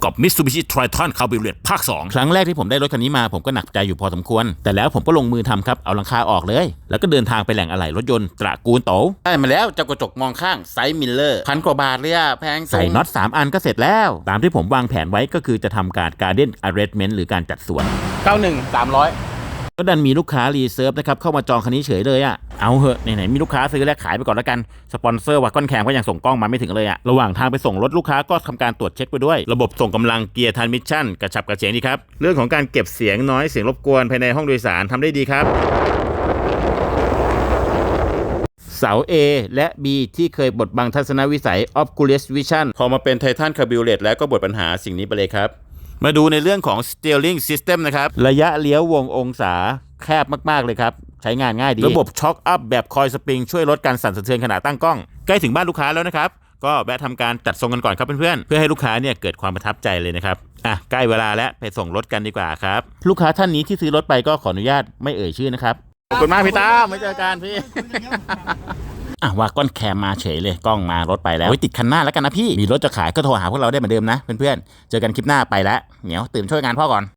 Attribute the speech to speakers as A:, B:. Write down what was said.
A: กับ Mitsubishi Triton Cabriolet ภาค 2 ครั้งแรกที่ผมได้รถคันนี้มาผมก็หนักใจอยู่พอสมควรแต่แล้วผมก็ลงมือทำครับเอาหลังคาออกเลยแล้วก็เดินทางไปแหล่งอะไหล่รถยนต์ตระกูลโตได้มาแล้วเจ้ากระจกมองข้างไซส์มิลเลอร์1,000 กว่าบาทเลยอะแพงใส่น็อต3 อันก็เสร็จแล้วตามที่ผมวางแผนไว้ก็คือจะทำการ Garden Arrangement หรือการจัดสวน
B: 91 300
A: ก็ดันมีลูกค้ารีเซิร์ฟนะครับเข้ามาจองคันนี้เฉยเลยอะเอาเหอะไหนๆมีลูกค้าซื้อแล้วขายไปก่อนแล้วกันสปอนเซอร์วัดก้อนแข็งก็ยังส่งกล้องมาไม่ถึงเลยอะระหว่างทางไปส่งรถลูกค้าก็ทำการตรวจเช็คไปด้วยระบบส่งกำลังเกียร์ทรานมิชชั่นกระฉับกระเฉงดีครับเรื่องของการเก็บเสียงน้อยเสียงรบกวนภายในห้องโดยสารทำได้ดีครับเสา A และ B ที่เคยบดบังทัศนวิสัย Oculus Vision พอมาเป็น Titan Cabriolet แล้วก็บดปัญหาสิ่งนี้ไปเลยครับมาดูในเรื่องของ Steering System นะครับระยะเลี้ยววงองศาแคบมากๆเลยครับใช้งานง่ายดีระบบช็อคอัพแบบคอยสปริงช่วยลดการสั่นสะเทือนขณะตั้งกล้องใกล้ถึงบ้านลูกค้าแล้วนะครับก็แวะทำการจัดทรงกันก่อนครับเพื่อนๆเพื่อให้ลูกค้าเนี่ยเกิดความประทับใจเลยนะครับใกล้เวลาแล้วไปส่งรถกันดีกว่าครับลูกค้าท่านนี้ที่ซื้อรถไปก็ขออนุญาตไม่เอ่ยชื่อนะครับขอบคุณมากพี่ตาไม่เจอกันพี่ว่าก้อนแคมมาเฉยเลยกล้องมารถไปแล้วติดคันหน้าแล้วกันนะพี่มีรถจะขายก็โทรหาพวกเราได้เหมือนเดิมนะเพื่อนๆเจอกันคลิปหน้าไปแล้วเหนียวตื่นช่วยงานพ่อก่อน